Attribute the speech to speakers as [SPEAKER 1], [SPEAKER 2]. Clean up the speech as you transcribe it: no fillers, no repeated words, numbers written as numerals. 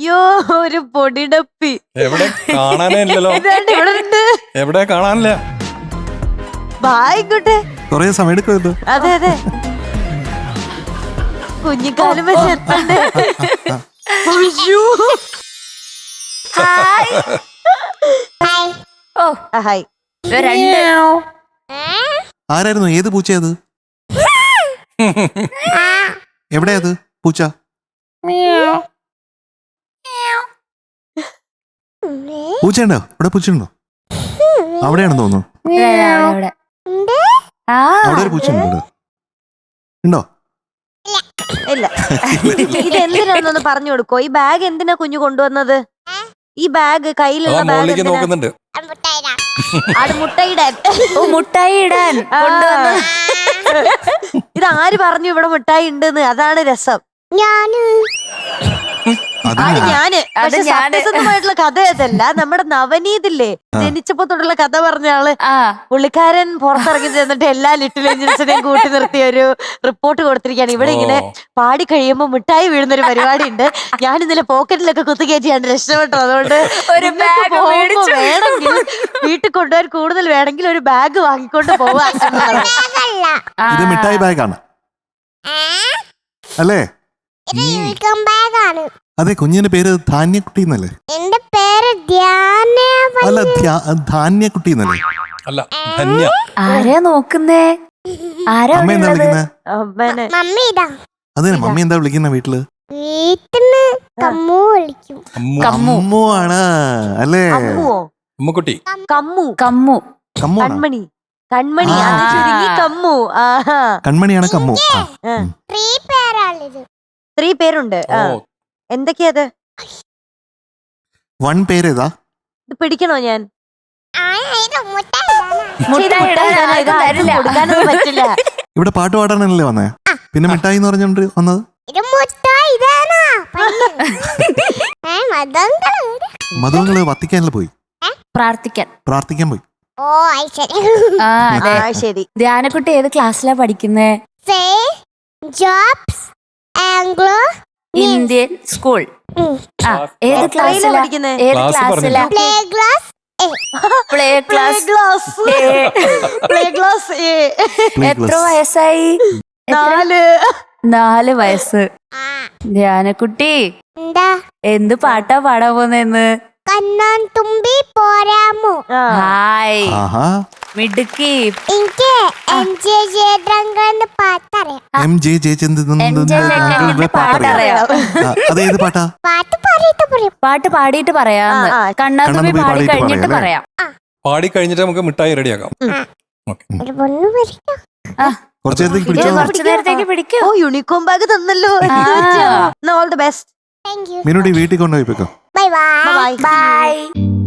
[SPEAKER 1] അയ്യോ ഒരു പൊടിടപ്പി.
[SPEAKER 2] എവിടെ കാണാനേ ഇല്ലല്ലോ.
[SPEAKER 1] ഇവിടെ ഉണ്ട്.
[SPEAKER 2] എവിടെ കാണാനില്ല.
[SPEAKER 1] ആയിക്കോട്ടെ,
[SPEAKER 3] കൊറേ സമയം എടുക്കുമല്ലോ.
[SPEAKER 1] അതെ അതെ, കുഞ്ഞിക്കാലം വെച്ച് എത്തണ്ടേ. ഹായ്.
[SPEAKER 3] ആരായിരുന്നു? ഏത് പൂച്ചയത്? എവിടെയത് പൂച്ച? പൂച്ചയുണ്ടോ? ഇവിടെ പൂച്ചയുണ്ടോ? അവിടെയാണെന്ന് തോന്നുന്നു. അവിടെ ഒരു പൂച്ച ഉണ്ടോ?
[SPEAKER 1] ഇല്ല. ഇത് എന്തിനാന്നൊന്ന് പറഞ്ഞു കൊടുക്കോ? ഈ ബാഗ് എന്തിനാ കുഞ്ഞു കൊണ്ടുവന്നത്? ഈ ബാഗ്, കയ്യിലുള്ള ബാഗ്
[SPEAKER 2] നോക്കുന്നുണ്ട്.
[SPEAKER 1] മുട്ടായി ഇടാൻ കൊണ്ടുവന്നത്. ഇത് ആര് പറഞ്ഞു ഇവിടെ മുട്ടായി ഉണ്ടെന്ന്? അതാണ് രസം. ഞാന് സത്യസന്ധമായിട്ടുള്ള കഥ അതല്ല. നമ്മുടെ നവനീതില്ലേ, ജനിച്ചപ്പോ തൊട്ടുള്ള കഥ പറഞ്ഞ ആള്, പുള്ളിക്കാരൻ പുറത്തിറങ്ങി ചെന്നിട്ട് എല്ലാ ലിറ്റിൽ ഏഞ്ചൽസിനെയും കൂട്ടി നിർത്തിയ ഒരു റിപ്പോർട്ട് കൊടുത്തിരിക്കുകയാണ്. ഇവിടെ ഇങ്ങനെ പാടി കഴിയുമ്പോ മിഠായി വീഴുന്നൊരു പരിപാടി ഉണ്ട്. ഞാൻ ഇന്നലെ പോക്കറ്റിലൊക്കെ കുത്തുകയറ്റിയാണ് രക്ഷപ്പെട്ടു. അതുകൊണ്ട് വേണമെങ്കിൽ വീട്ടിൽ കൊണ്ടുപോകാൻ കൂടുതൽ വേണമെങ്കിൽ ഒരു ബാഗ് വാങ്ങിക്കൊണ്ട് പോവാ.
[SPEAKER 3] ഇത് മിഠായി ബാഗാണ് അല്ലേ? അതെ. കുഞ്ഞിന്റെ പേര് ധാന്യക്കുട്ടി എന്നല്ലേ?
[SPEAKER 4] എന്റെ പേര്
[SPEAKER 3] അല്ല, ധാന്യക്കുട്ടി എന്നല്ലേ?
[SPEAKER 2] അല്ല, ധന്യ.
[SPEAKER 5] ആരാ നോക്കുന്നേ? ആരാ
[SPEAKER 3] അമ്മ എന്താ വിളിക്കുന്നേ? അതെ, മമ്മി എന്താ വിളിക്കുന്ന വീട്ടില്?
[SPEAKER 4] വീട്ടില് കമ്മു വിളിക്കും.
[SPEAKER 3] കമ്മു ആണ് അല്ലേ?
[SPEAKER 2] അമ്മുക്കുട്ടി.
[SPEAKER 1] കമ്മു
[SPEAKER 5] കമ്മു
[SPEAKER 3] കമ്മു
[SPEAKER 1] കൺമണി. കൺമണി കമ്മു.
[SPEAKER 3] കൺമണിയാണ് കമ്മു.
[SPEAKER 1] 3 പേരുണ്ട്. എന്തൊക്കെയത്?
[SPEAKER 3] 1 പേരേതാ?
[SPEAKER 1] ഇത് പിടിക്കണോ ഞാൻ?
[SPEAKER 5] കൊടുക്കാനൊന്നും
[SPEAKER 1] പറ്റില്ല.
[SPEAKER 3] ഇവിടെ പാട്ട് പാടാനല്ലേ വന്നേ? പിന്നെ മിഠായി എന്ന് പറഞ്ഞോണ്ട് വന്നത്? മധുവങ്ങള് വത്തിക്കാനല്ലേ പോയി? പ്രാർത്ഥിക്കാൻ പോയി.
[SPEAKER 1] ശരി.
[SPEAKER 5] ധ്യാനക്കുട്ടി ഏത് ക്ലാസ്സിലാ പഠിക്കുന്നേ? Indian school. ഏത് ക്ലാസ്സിലാ പഠിക്കുന്നേ? ഏത് ക്ലാസ്സിലാ? Play class. എത്ര വയസ്സായി? 4 വയസ്സ്. ധ്യാനക്കുട്ടി എന്ത് പാട്ടാ പാടാൻ പോന്നെന്ന്?
[SPEAKER 4] കണ്ണാൻ തുമ്പി പോരാമോ?
[SPEAKER 5] ഹായ് മിടുക്കി.
[SPEAKER 4] എനിക്ക്
[SPEAKER 3] അതേത് പാട്ടാ?
[SPEAKER 5] പാട്ട് പാടിയിട്ട് പറയാന്ന്. കണ്ണാൻ തുമ്പി പാടി കഴിഞ്ഞിട്ട് പറയാം.
[SPEAKER 2] പാടി കഴിഞ്ഞിട്ട് നമുക്ക് മിഠായി റെഡിയാക്കാം.
[SPEAKER 5] കുറച്ചു നേരത്തേക്ക് പിടിക്കൂ.
[SPEAKER 1] ഓ, യൂണിക്കോം ബാഗ് തന്നല്ലോ. All the best.
[SPEAKER 3] മീനുട്ടി വീട്ടിൽ കൊണ്ടുപോയി.
[SPEAKER 4] Bye by.